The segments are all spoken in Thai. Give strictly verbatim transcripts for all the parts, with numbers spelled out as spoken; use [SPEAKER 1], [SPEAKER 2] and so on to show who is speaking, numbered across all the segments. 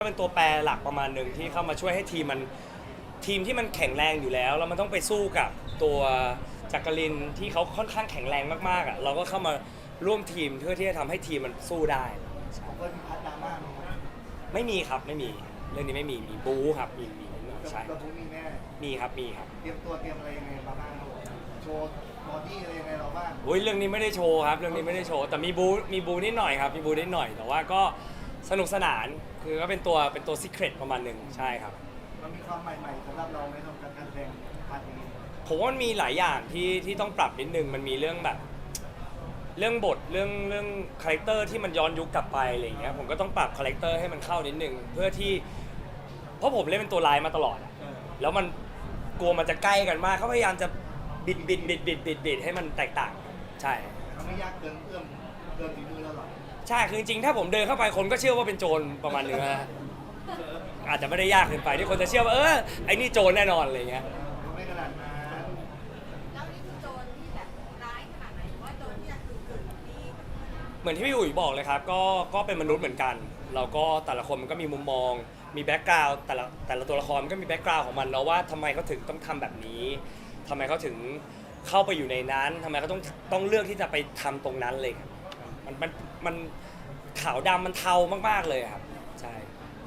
[SPEAKER 1] เป็นตัวแปรหลักประมาณหนึ่งที่เข้ามาช่วยให้ทีมมันทีมที่มันแข็งแรงอยู่แล้วแล้วมันต้องไปสู้กับตัวจักรินที่เขาค่อนข้างแข็งแรงมากๆอ่ะเราก็เข้ามาร่วมทีมเพื่อที่จะทำให้ทีมมันสู้ได้
[SPEAKER 2] ผมก็มีพัดดราม่าไหมครับ
[SPEAKER 1] ไม่มีครับไม่มีเรื่องนี้ไม่มีมีบู๊ครับมีมีใช่
[SPEAKER 2] ตัวผมมีแน่
[SPEAKER 1] มีครับมีครับ
[SPEAKER 2] เตรียมตัวเตรียมอะไรยังไงมาบ้างครับโชว์บอดี้อะไรยังไงเราบ้าง
[SPEAKER 1] โอ้ยเรื่องนี้ไม่ได้โชว์ครับเรื่องนี้ไม่ได้โชว์แต่มีบู๊มีบู๊นิดหน่อยครับมีบู๊นิดหน่อยแต่ว่าก็สนุกสนานคือก็เป็นตัวเป็นตัวซีเครตประมาณหนึ่งใช่ครับ
[SPEAKER 2] มันมีความใหม่ๆสำหรับเราในทำการแสดงพาร์ทนี้
[SPEAKER 1] ผมว่ามันมีหลายอย่างที่ที่ต้องปรับนิดนึงมันมีเรื่องแบบเรื่องบทเรื่องเรื่องคาแรคเตอร์ที่มันย้อนยุคกลับไปอะไรอย่างเงี้ยผมก็ต้องปรับคาแรคเตอร์ให้มันเข้านิดนึงเพื่อที่เพราะผมเล่นเป็นตัวร้ายมาตลอดแล้วมันกลัวมันจะใกล้กันมากเขาพยายามจะบิดบิดบิดบิดบิดบิดให้มันแตกต่างใช่
[SPEAKER 2] มันไม่ยากเกินเอื้อมเกินฝีมือเราหรอก
[SPEAKER 1] ใช่คือจริงๆถ้าผมเดินเข้าไปคนก็เชื่อว่าเป็นโจรประมาณนึงนะอาจจะไม่ได้ยากเกินไปที่คนจะเชื่อว่าเออไอ้นี่โจรแน่นอนอะไรเงี้ย
[SPEAKER 2] ไม่ขนาดนั้น
[SPEAKER 3] แล้วนี่คือโจรที่แบบร้ายขนาดไหนหรือว่าโจรที่อยากกึ่งๆที่
[SPEAKER 1] เหมือนที่พี่อุ๋ยบอกเลยครับก็ก็เป็นมนุษย์เหมือนกันเราก็แต่ละคนมันก็มีมุมมองมีแบ็กกราวด์แต่ละแต่ละตัวละครมันก็มีแบ็กกราวด์ของมันเนาะว่าทำไมเขาถึงต้องทำแบบนี้ทำไมเขาถึงเข้าไปอยู่ในนั้นทำไมเขาต้องต้องเลือกที่จะไปทำตรงนั้นเลยครับมันมันมันขาวดำมันเทามากๆเลยครับใช่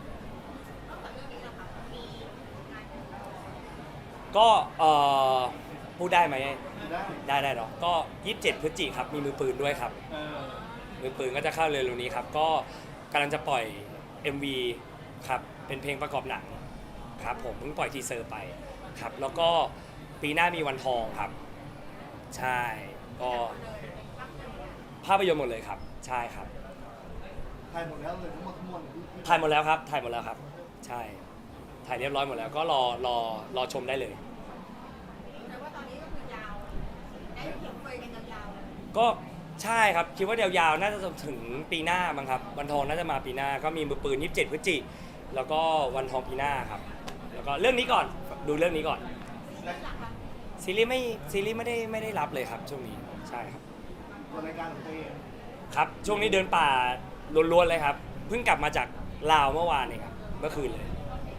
[SPEAKER 1] ก็เอ่อพูดได้ไหมได้ได้เนาะก็ยี่สิบเจ็ดพฤศจิกายนครับมีมือปืนด้วยครับมือปืนก็จะเข้าเร็วๆนี้ครับก็กำลังจะปล่อย เอ็ม วี ครับเป็นเพลงประกอบหนังครับผมเพิ่งปล่อยทีเซอร์ไปครับแล้วก็ปีหน้ามีวันทองครับใช่ก็ภาพยนตร์หมดเลยครับใช่ครับ
[SPEAKER 2] ถ่ายหมดแล้วเลยทั้งหมดทั้งมวล
[SPEAKER 1] ถ่ายหมดแล้วครับถ่ายหมดแล้วครับใช่ถ่ายเรียบร้อยหมดแล้วก็รอรอรอชมได้เลย
[SPEAKER 3] แต่ว่าตอนนี้ก็คือยาวได้เห็นคุยกันยาว
[SPEAKER 1] ๆก็ใช่ครับคิดว่ายาวๆน่าจะถึงปีหน้ามั้งครับวันทองน่าจะมาปีหน้าก็มีมือปืนยี่สิบเจ็ดพฤศจิกายนแล้วก็วันทองปีหน้าครับแล้วก็เรื่องนี้ก่อนดูเรื่องนี้ก่อนซีรีส์ไม่ซีรีส์ไม่ได้ไม่ได้รับเลยครับช่วงนี้ใช่ครับ
[SPEAKER 2] ตัวรายการของตัวเอง
[SPEAKER 1] ครับช่วงนี้เดินป่าล้วนๆเลยครับเพิ่งกลับมาจากลาวเมื่อวานเองครับเมื่อคืนเลย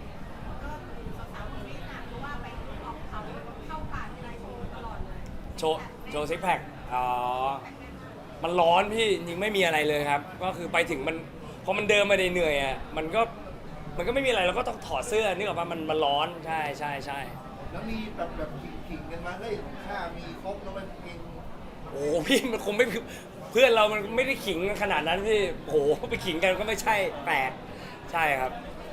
[SPEAKER 1] โชว์โชว์ซิกแพคอ๋อมันร้อนพี่จริงไม่มีอะไรเลยครับก็คือไปถึงมันพอมันเดินมาเหนื่อยอ่ะมันก็มันก็ไม่มีอะไรเราก็ต้องถอดเสื้อนึกออกป่ะมันมันร้อนใช่ใช่ใช่
[SPEAKER 2] แล้วมีแบบแบบขิงกันมาเฮ้ยของข้ามีครบแล้วมันเอง
[SPEAKER 1] โอ้พี่มันคงไม่เพื่อนเรามันไม่ได้ขิงขนาดนั้นพี่โหไปขิงกันก็ไม่ใช่แปลกใช่ครับ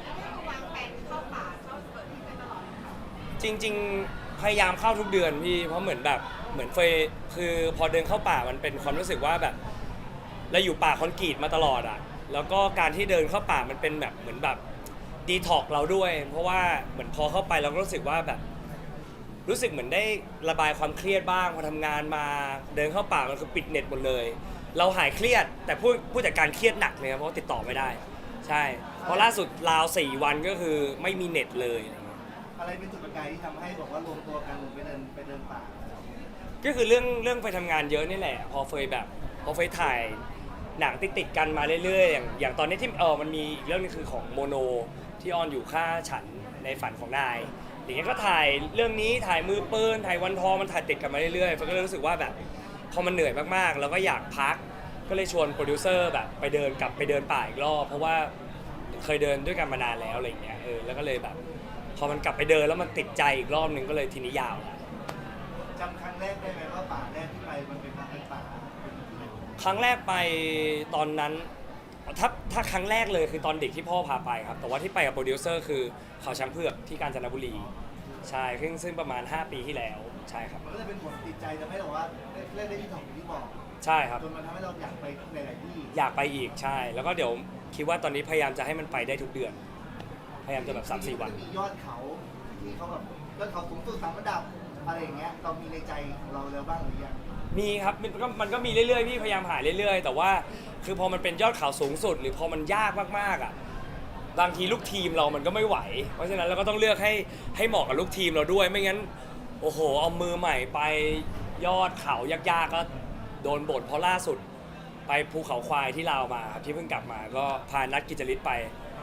[SPEAKER 1] จริงๆพยายามเข้าทุกเดือนพี่เพราะเหมือนแบบเหมือนเฟยคือพอเดินเข้าป่ามันเป็นความรู้สึกว่าแบบเราอยู่ป่าคอนกรีตมาตลอดอ่ะแล้วก็การที่เดินเข้าป่ามันเป็นแบบเหมือนแบบดีท็อกเราด้วยเพราะว่าเหมือนพอเข้าไปเราก็รู้สึกว่าแบบรู้สึกเหมือนได้ระบายความเครียดบ้างพอทำงานมาเดินเข้าป่ามันคือปิดเน็ตหมดเลยเราหายเครียดแต่ผู้ผู้จัดการเครียดหนักเลยเพราะติดต่อไม่ได้ใช่เพราะล่าสุดลาวสี่วันก็คือไม่มีเน็ตเลย
[SPEAKER 2] อะไรเป็นจุดประกายที่ทำให้บอกว่ารวมตัวกันไปเดินไปเดินป่า
[SPEAKER 1] ก็คือเรื่องเรื่องไปทำงานเยอะนี่แหละพอเฟยแบบพอเฟยถ่ายหนังติดติดกันมาเรื่อยๆอย่างอย่างตอนนี้ที่เออมันมีอีกเรื่องนึงคือของโมโนที่ออนอยู่ค่าฉันในฝันของนายอย่างเงี้ยก็ถ่ายเรื่องนี้ถ่ายมือปืนถ่ายวันทองมันถ่ายติดกันมาเรื่อยๆเฟยก็เลยรู้สึกว่าแบบพอมันเหนื่อยมากๆแล้วก็อยากพักก็เลยชวนโปรดิวเซอร์แบบไปเดินกลับไปเดินป่าอีกรอบเพราะว่าเคยเดินด้วยกันมานานแล้วอะไรเงี้ยเออแล้วก็เลยแบบพอมันกลับไปเดินแล้วมันติดใจอีกรอบนึงก็เลยทีนี้ยาว
[SPEAKER 2] จำครั้งแรกได้ไหมว่าป่าแรกที่ไปมันเป็นป่า
[SPEAKER 1] ครั้งแรกไปตอนนั้นถ้าถ้าครั้งแรกเลยคือตอนเด็กที่พ่อพาไปครับแต่ว่าที่ไปกับโปรดิวเซอร์คือเขาช้างเผือกที่กาญจนบุรีใช่ซึ่งซึ่งประมาณห้าปีที่แล้วใช่ครับ
[SPEAKER 2] มันก็จะเป็นผลติดใจทำให้เราว่าเล่นได้ที่ถ่องที่บอก
[SPEAKER 1] ใช่ครับ
[SPEAKER 2] จนมันทำให้เราอยากไปหลายๆที่
[SPEAKER 1] อยากไปอีกใช่แล้วก็เดี๋ยวคิดว่าตอนนี้พยายามจะให้มันไปได้ทุกเดือนพยายามจะแบบ สามสี่ วัน
[SPEAKER 2] มียอดเขาที่เขาแบบยอดเขาสูงสุดสามระดับอะไรอย่างเงี้ยเรามีในใจของเราแล้วบ้างหรือยัง
[SPEAKER 1] มีครับมันก็มันก็มีเรื่อยๆพี่พยายามหาเรื่อยๆแต่ว่าคือพอมันเป็นยอดเขาสูงสุดหรือพอมันยากมากๆอ่ะบางทีลูกทีมเรามันก็ไม่ไหวเพราะฉะนั้นเราก็ต้องเลือกให้ให้เหมาะกับลูกทีมเราด้วยไม่งั้นโอ้โหเอามือใหม่ไปยอดเขายากๆก็โดนบ่นเพราะล่าสุดไปภูเขาควายที่ลาวมาครับที่เพิ่งกลับมาก็พานัดกิจลิศไป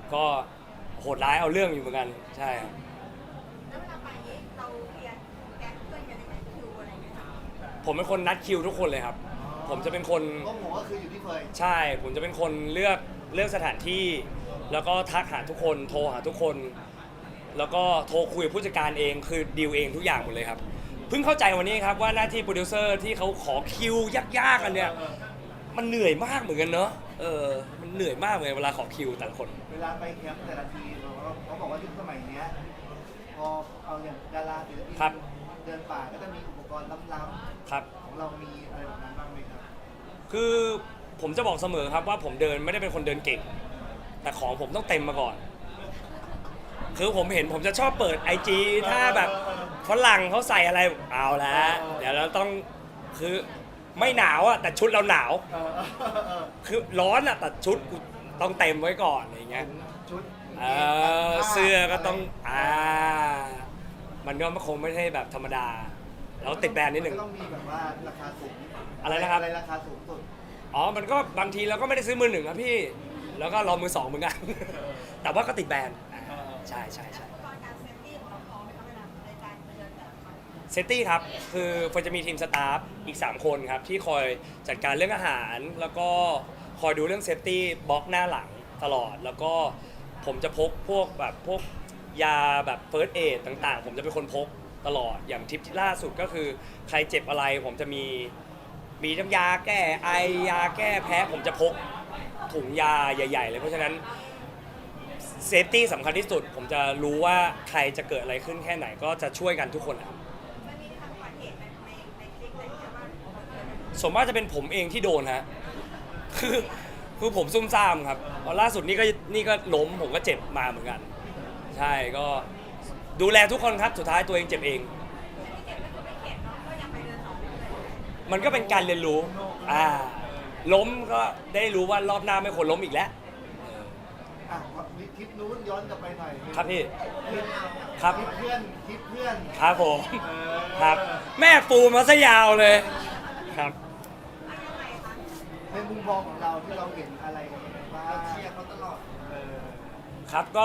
[SPEAKER 1] ก็โหดร้ายเอาเรื่องอยู่เหมือนกันใช่ครับ
[SPEAKER 3] แล้วเวลาไปนี้เราเคลียร์แก๊งเพื่อนกันยังไงคิวอะไรอย่างเงี้ยค่ะ
[SPEAKER 1] ผมเป็นคนนัดคิวทุกคนเลยครับ ผมจะเป็นคน
[SPEAKER 2] ก็ผมก็คืออยู่ที่เฟย
[SPEAKER 1] ใช่ ผมจะเป็นคนเลือกเลือกสถานที่ แล้วก็ทักหาทุกคนโทรหาทุกคน แล้วก็โทรคุยกับผู้จัดการเองคือดีลเองทุกอย่างหมดเลยครับเพิ่งเข้าใจวันนี้ครับว่าหน้าที่โปรดิวเซอร์ที่เขาขอคิวยากๆกันเนี่ยมันเหนื่อยมากเหมือนกันเนอะเออมันเหนื่อยมากเลยเวลาขอคิวแต่ละคน
[SPEAKER 2] เวลาไปแคมป์แต่ละทีเราก็เขาบอกว่ายุคสมัยเนี้ยพอเอาอย่างดาราศิลปิน
[SPEAKER 1] ครับ
[SPEAKER 2] เดินป่าก็จะมีอุปกรณ์ล้ำ
[SPEAKER 1] ครับ
[SPEAKER 2] ๆของเรามีอะไรแบบนั้นบ้างไหมครับ
[SPEAKER 1] คือผมจะบอกเสมอครับว่าผมเดินไม่ได้เป็นคนเดินเก่ง แต่ของผมต้องเต็มมาก่อน คือผมเห็นผมจะชอบเปิด ไอ จี ถ้าแบบฝรั่งเขาใส่อะไรเอาแล้วเดี๋ยวเราต้องคือไม่หนาวอะแต่ชุดเราหนาว
[SPEAKER 2] เออเออเออ
[SPEAKER 1] คือร้อนอะแต่ชุดกูต้องเต็มไว้ก่อนอะไรเงี้ย
[SPEAKER 2] ชุด
[SPEAKER 1] เออเสื้อก็ต้องอ่ามันก็คงไม่ใช่แบบธรรมดาเราติดแบรนด์นิดหนึ่ง
[SPEAKER 2] ก็ต้องมีแบบว่าราคาสูง
[SPEAKER 1] อะไรนะครับ
[SPEAKER 2] อะไรราคาสูงสุด
[SPEAKER 1] อ๋อ มันก็บางทีเราก็ไม่ได้ซื้อมือหนึ่งครับพี่ แล้วก็รอมือสองเหมือนกัน แต่ว่าก็ติดแบรนด์อ่าใช่ใช่ใช่
[SPEAKER 3] อุปกรณ์การเซฟตี้ของเราพร้อมไหมคะเวลาในการเดินแต่ละครั้ง
[SPEAKER 1] เซฟตี้ครับ คือเฟิร์นจะมีทีมสตาฟอีก สาม คนครับ ที่คอยจัดการเรื่องอาหาร แล้วก็คอยดูเรื่องเซฟตี้บล็อกหน้าหลังตลอด แล้วก็ผมจะพกพวกแบบพวกยาแบบเฟิร์สเอดต่างๆ ผมจะเป็นคนพกตลอด อย่างทริปที่ล่าสุดก็คือใครเจ็บอะไร ผมจะมีมีน้ำยาแก้ไอยาแก้แพ้ ผมจะพกถุงยาใหญ่ ๆ เลย เพราะฉะนั้นเซฟตี้สำคัญที่สุด ผมจะรู้ว่าใครจะเกิดอะไรขึ้นแค่ไหนก็จะช่วยกันทุกคนครับ
[SPEAKER 3] มันมีทางอุบัติเหตุในในในคลิปอะไรอย่างเงี้ยบ้างเกิดอะไรขึ้น
[SPEAKER 1] ส่วนมากจะเป็นผมเองที่โดนฮะ คือคือผมซุ่มซ่ามครับเพราะล่าสุดนี่ก็นี่ก็ล้มผมก็เจ็บมาเหมือนกัน ใช่ก็ดูแลทุกคนครับ สุดท้ายตัวเองเจ็บเอง
[SPEAKER 3] ที่เจ็บก็คือไม่เข็ดเนาะก็ยังไปเดินต่อเรื่อยๆ
[SPEAKER 1] มันก็เป็นการเรียนรู้ อ่า ล้มก็ได้รู้ว่ารอบหน้าไม่ควรล้มอีกแล้ว
[SPEAKER 2] อ่ะมีทริปนู้นย้อนกลับไปหน่อย
[SPEAKER 1] ครับพี่
[SPEAKER 2] ทริป
[SPEAKER 1] ครับ
[SPEAKER 2] ทริปเพื่อนทริปเพื่อน
[SPEAKER 1] ครับผม
[SPEAKER 2] เออ
[SPEAKER 1] ครับ แม่ปูมาซะยาวเลย ครับ
[SPEAKER 2] ในมุมมองของเราที่เราเห็นอะไรบ้างเราเชียร์เขาตลอดเออ
[SPEAKER 1] ครับก็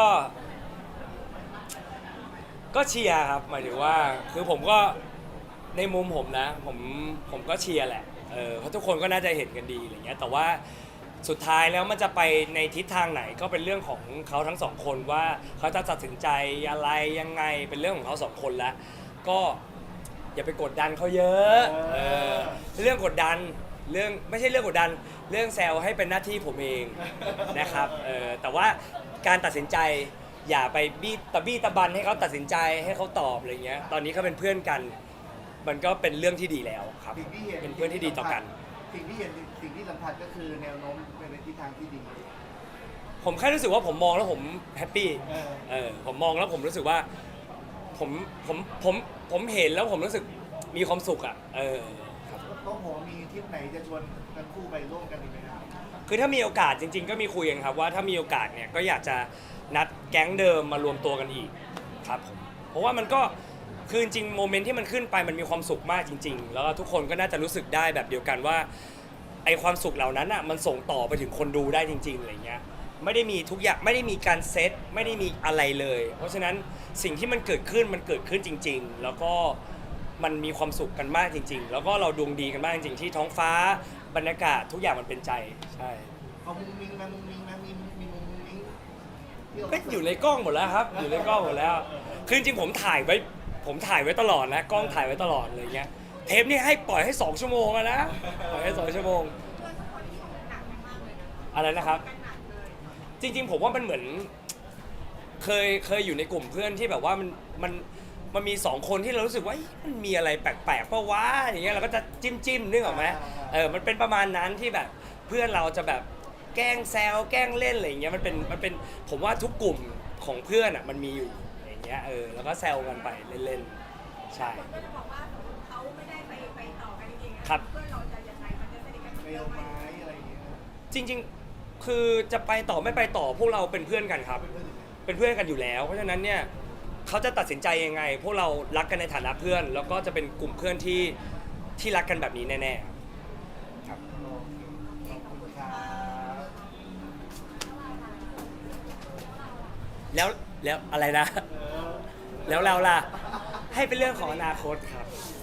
[SPEAKER 1] ก็เชียร์ครับหมายถึงว่าคือผมก็ในมุมผมนะ ผมผมก็เชียร์แหละเออเพราะทุกคนก็น่าจะเห็นกันดีอะไรเงี้ยแต่ว่าสุดท้ายแล้วมันจะไปในทิศทางไหนก็เป็นเรื่องของเขาทั้งสองคนว่าเขาจะตัดสินใจอะไรยังไงเป็นเรื่องของเขาสองคนแล้วก็อย่าไปกดดันเขาเยอะเออเรื่องกดดันเรื่องไม่ใช่เรื่องกดดัน เรื่องแซวให้เป็นหน้าที่ผมเองนะครับเออแต่ว่าการตัดสินใจอย่าไปบี้ตะบี้ตะบันให้เขาตัดสินใจให้เขาตอบอะไรเงี้ยตอนนี้เขาเป็นเพื่อนกัน มันก็เป็นเรื่องที่ดีแล้วครับ
[SPEAKER 2] สิ่งที่เห็น
[SPEAKER 1] เป็นเพื่อนที่ดีต่อกัน
[SPEAKER 2] สิ่งที่เห็นสิ่งที่สัมผัสก็คือแนวโน้มเป็นในทิศทางที่ดี
[SPEAKER 1] ผมแค่รู้สึกว่าผมมองแล้วผมแฮปปี้
[SPEAKER 2] เออ
[SPEAKER 1] เออผมมองแล้วผมรู้สึกว่าผมผมผมผมเห็นแล้วผมรู้สึกมีความสุขอ่ะเออ
[SPEAKER 2] ต้องผมมีทริปไหนจะชวนกันคู่ไปร่วมกันอีกไหมครับ
[SPEAKER 1] คือถ้ามีโอกาสจริง ๆ ก็มีคุยกันครับว่าถ้ามีโอกาสเนี่ยก็อยากจะนัดแก๊งเดิมมารวมตัวกันอีกครับผมเพราะว่ามันก็คือจริงๆโมเมนต์ที่มันขึ้นไปมันมีความสุขมากจริง ๆ แล้วก็ทุกคนก็น่าจะรู้สึกได้แบบเดียวกันว่าไอความสุขเหล่านั้นอ่ะมันส่งต่อไปถึงคนดูได้จริงๆอะไรเงี้ยไม่ได้มีทุกอย่างไม่ได้มีการเซตไม่ได้มีอะไรเลย เพราะฉะนั้นสิ่งที่มันเกิดขึ้นมันเกิดขึ้นจริง ๆ แล้วก็มันมีความสุขกันมากจริง ๆ แล้วก็เราดวงดีกันมากจริงๆที่ท้องฟ้าบรรยากาศทุกอย่างมันเป็นใจใช่
[SPEAKER 2] เอามุงมิงนะมุงมิงนะมีมีมุงมิงที่เรา
[SPEAKER 1] ก็อยู่ในกล้องหมดแล้วครับ อยู่ในกล้องหมดแล้ว คือจริงๆผมถ่ายไว้ ผมถ่ายไว้ตลอดนะ กล้องถ่ายไว้ตลอดเลยเงี้ย เทปนี้ให้ปล่อยให้สองชั่วโมงอะนะ ปล่อยให้สองชั่วโมง
[SPEAKER 3] เพื่อนทุกคนที่ทำหนักกันมากเลยนะ
[SPEAKER 1] อะไรนะครับ
[SPEAKER 3] กันหนักเลย
[SPEAKER 1] จริงๆผมว่ามันเหมือน เคยเคยอยู่ในกลุ่มเพื่อนที่แบบว่ามันมันมันมีสองคนที่เรารู้สึกว่าเอ๊ะมันมีอะไรแปลกๆเพราะว่าอย่างเงี้ยเราก็จะจิ้มจิ้มนึกออกไหมเออมันเป็นประมาณนั้นที่แบบเพื่อนเราจะแบบแกล้งแซวแกล้งเล่นอะไรอย่างเงี้ยมันเป็นมันเป็นผมว่าทุกกลุ่มของเพื่อนอ่ะมันมีอยู่อย่างเงี้ยเออแล้วก็แซวกันไปเล่นๆใช่
[SPEAKER 3] คนก็จะบอกว่าเขาไม่ได้ไปไปต่อกันจริงๆนะครับ เพื่อนเราจะยังไงมันจะสนิทกัน
[SPEAKER 2] เม
[SPEAKER 3] เย
[SPEAKER 2] ล
[SPEAKER 3] อะไหม
[SPEAKER 2] ไม้อะไรอย่างเงี้ย
[SPEAKER 1] จริงๆ คือจะไปต่อไม่ไปต่อพวกเราเป็นเพื่อนกันครับ เป็นเพื่อนกันอยู่แล้ว เพราะฉะนั้นเนี่ยเขาจะตัดสินใจยังไง พวกเรารักกันในฐานะเพื่อน แล้วก็จะเป็นกลุ่มเพื่อนที่ที่รักกันแบบนี้แน่ๆครับ
[SPEAKER 2] โอเคขอบคุณครับ
[SPEAKER 1] แล้วแล้วอะไรนะ แล้วเราล่ะให้เป็นเรื่องของอนาคตครับ